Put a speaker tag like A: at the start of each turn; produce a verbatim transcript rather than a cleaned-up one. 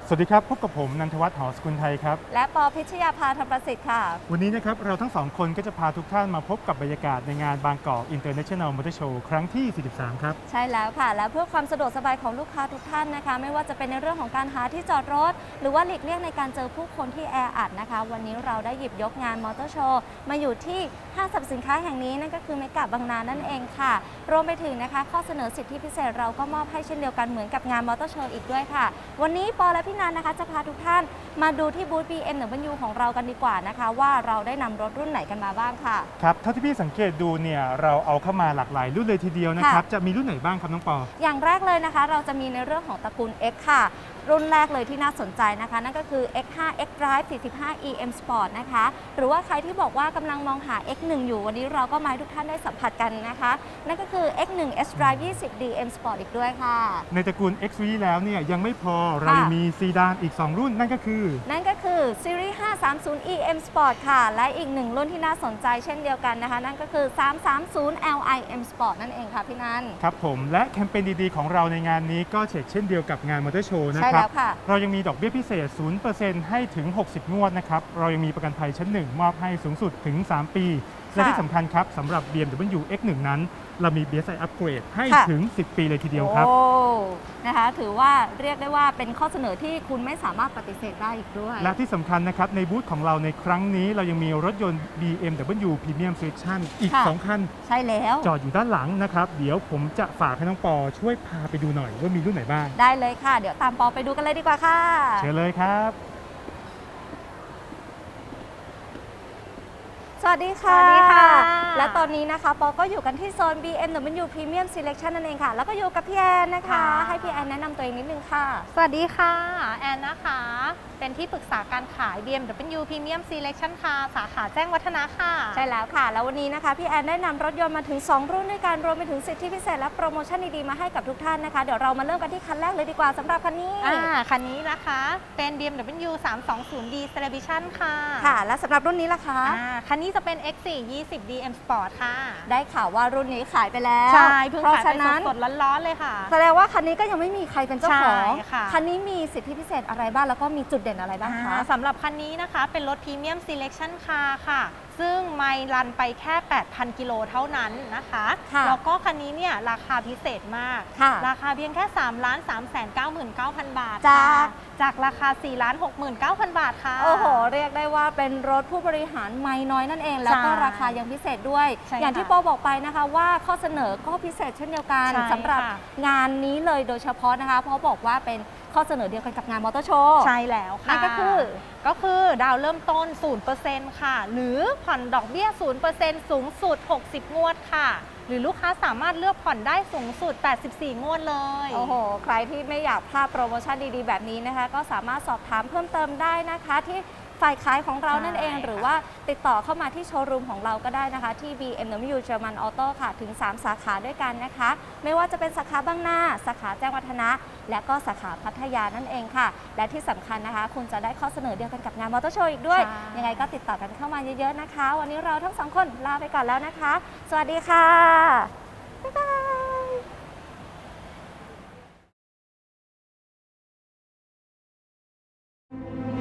A: สวัสดีครับพบกับผมนันทวัฒน์หอสกุลไทยครับ
B: และปอพิชยาภาธรรมประสิทธิ์ค่ะ
A: วันนี้นะครับเราทั้งสองคนก็จะพาทุกท่านมาพบกับบรรยากาศในงานบางกอก International Motor Show ครั้งที่ สี่สิบสาม ครับ
B: ใช่แล้วค่ะและเพื่อความสะดวกสบายของลูกค้าทุกท่านนะคะไม่ว่าจะเป็นในเรื่องของการหาที่จอดรถหรือว่าหลีกเลี่ยงในการเจอผู้คนที่แออัดนะคะวันนี้เราได้หยิบยกงานมอเตอร์โชว์มาอยู่ที่ห้างสรรพสินค้าแห่งนี้นั่นก็คือเมกะบางนานั่นเองค่ะรวมไปถึงนะคะข้อเสนอสิทธิพิเศษเราก็มอบให้เช่นเดียวกันเหมือนกับงานมอเตอร์โชว์อีกด้วยค่ะวันนี้ปอและพี่นันนะคะจะพาทุกท่านมาดูที่บูธ บี เอ็ม ดับเบิลยู ของเรากันดีกว่านะคะว่าเราได้นำรถรุ่นไหนกันมาบ้างค่ะ
A: ครับเท่าที่พี่สังเกตดูเนี่ยเราเอาเข้ามาหลากหลายรุ่นเลยทีเดียวนะครับจะมีรุ่นไหนบ้างครับน้องปอ
B: อย่างแรกเลยนะคะเราจะมีในเรื่องของตระกูล X ค่ะรุ่นแรกเลยที่น่าสนใจนะคะนั่นก็คือ เอ็กซ์ ห้า X Drive สี่สิบห้า อี เอ็ม Sport นะคะหรือว่าใครที่บอกว่ากำลังมองหา เอ็กซ์ หนึ่ง อยู่วันนี้เราก็มาให้ทุกท่านได้สัมผัสกันนะคะนั่นก็คือ เอ็กซ์ หนึ่ง S Drive ยี่สิบ ดี เอ็ม Sport อีกด้วยค่ะ
A: ในตระกูล X แล้วเนี่ยยังไม่พอเรายังมีซีดานอีกสองรุ่นนั่นก็คือ
B: นั่นก็คือ Series ห้าสามศูนย์ อี เอ็ม Sport ค่ะและอีกหนึ่งรุ่นที่น่าสนใจเช่นเดียวกันนะคะนั่นก็คือ สามสามศูนย์ แอล ไอ เอ็ม Sport นั่นเองค่ะพี่นัน
A: ครับผมและแคมเปญดีๆของเราในงานนี้ก็เช่นเช่นเดียวกับงานมอเตอร์โชว์นะ
B: ค
A: ครับ
B: เรา
A: ยังมีดอกเบี้ยพิเศษ ศูนย์เปอร์เซ็นต์ ให้ถึง หกสิบ งวดนะครับเรายังมีประกันภัยชั้นหนึ่งมอบให้สูงสุดถึง สาม ปีและที่สำคัญครับสำหรับ บี เอ็ม ดับเบิลยู เอ็กซ์ หนึ่ง นั้นเรามี บี เอส ไอ Upgrade ให้ถึง สิบ ปีเลยทีเดียวครับ
B: โอ้นะคะถือว่าเรียกได้ว่าเป็นข้อเสนอที่คุณไม่สามารถปฏิเสธได้อีกด้วย
A: และที่สำคัญนะครับในบูธของเราในครั้งนี้เรายังมีรถยนต์ บี เอ็ม ดับเบิลยู Premium Selection อีกสองคัน
B: ใช่แล้ว
A: จอดอยู่ด้านหลังนะครับเดี๋ยวผมจะฝากให้น้องปอช่วยพาไปดูหน่อยว่ามีรุ่นไหนบ้าง
B: ได้เลยค่ะเดี๋ยวตามปอไปดูกันเลยดีกว่าค่ะ
A: เชิญเลยครับ
B: สวัสดีค่ะสวัสดีค่ะและตอนนี้นะคะปอก็อยู่กันที่โซน บี เอ็ม ดับเบิลยู Premium Selection นั่นเองค่ะแล้วก็อยู่กับพี่แอนนะคะให้พี่แอนแนะนำตัวเองนิดนึงค่ะ
C: สวัสดีค่ะแอนนะคะเป็นที่ปรึกษาการขาย บี เอ็ม ดับเบิลยู Premium Selection ค่ะสาขาแจ้งวัฒนะค่ะ
B: ใช่แล้วค่ะแล้ววันนี้นะคะพี่แอนได้นำรถยนต์มาถึงสองรุ่นด้วยกันรวมไปถึงสิทธิพิเศษและโปรโมชั่นดีๆมาให้กับทุกท่านนะคะเดี๋ยวเรามาเริ่มกันที่คันแรกเลยดีกว่าสำหรับคันนี้
C: อ่าคันนี้นะคะเป็น บี เอ็ม ดับเบิลยู สามสองศูนย์ ดี Celebration ค่ะ
B: ค่ะและสำหรับรุ่นนี้ล่ะคะ
C: อ่าคันนี้จะเป็น เอ็กซ์ สี่ ยี่สิบ ดี เอ็ม Sport ค่ะ
B: ได้ข่าวว่ารุ่นนี้ขายไปแล้ว
C: ใช่เพิ่งขายไปสดๆร้อนๆเลยค่ะ
B: แสดงว่าคันนี้ก็ยังไม่มีใครเป็นเจ้าของ
C: ค่ะ
B: คันนี้มีสิทธิพิเศษอะไรบ้างแล้วก็มีจุดเด่นอะไรบ้างคะ
C: สำหรับคันนี้นะคะเป็นรถ Premium Selection Car ค่ะซึ่งไมล์รันไปแค่ แปดพัน กิโลเท่านั้นนะคะแล้วก็คันนี้เนี่ยราคาพิเศษมากราคาเพียงแค่ สามล้านสามแสนเก้าหมื่นเก้าพัน บาท
B: จาก
C: จากราคา สี่ล้านหกหมื่นเก้าพัน บาทค่ะ
B: โอ้โหเรียกได้ว่าเป็นรถผู้บริหารไมล์น้อยนั่นเองแล้วก็ราคายังพิเศษด้วยอย่างที่ปอบอกไปนะคะว่าข้อเสนอก็พิเศษเช่นเดียวกันสำหรับงานนี้เลยโดยเฉพาะนะคะเพราะบอกว่าเป็นข้อเสนอเดียวกันกับงานมอเตอร์โชว์
C: ใช่แล้วค่ะ
B: นั่นก็คือ
C: ก็คือดาวเริ่มต้น ศูนย์เปอร์เซ็นต์ ค่ะหรือผ่อนดอกเบี้ย ศูนย์เปอร์เซ็นต์ สูงสุดหกสิบงวดค่ะหรือลูกค้าสามารถเลือกผ่อนได้สูงสุดแปดสิบสี่งวดเลย
B: โอ้โหใครที่ไม่อยากพลาดโปรโมชั่นดีๆแบบนี้นะคะก็สามารถสอบถามเพิ่มเติมได้นะคะที่ฝ่ายขายของเรานั่นเองหรือว่าติดต่อเข้ามาที่โชว์รูมของเราก็ได้นะคะที่ บี เอ็ม ดับเบิลยู German Auto ค่ะถึงสามสาขาด้วยกันนะคะไม่ว่าจะเป็นสาขาบางนาสาขาแจ้งวัฒนะและก็สาขาพัทยานั่นเองค่ะและที่สำคัญนะคะคุณจะได้ข้อเสนอเดียวกันกับงานมอเตอร์โชว์อีกด้วยยังไงก็ติดต่อกันเข้ามาเยอะๆนะคะวันนี้เราทั้งสองคนลาไปก่อนแล้วนะคะสวัสดีค่ะบ๊ายบาย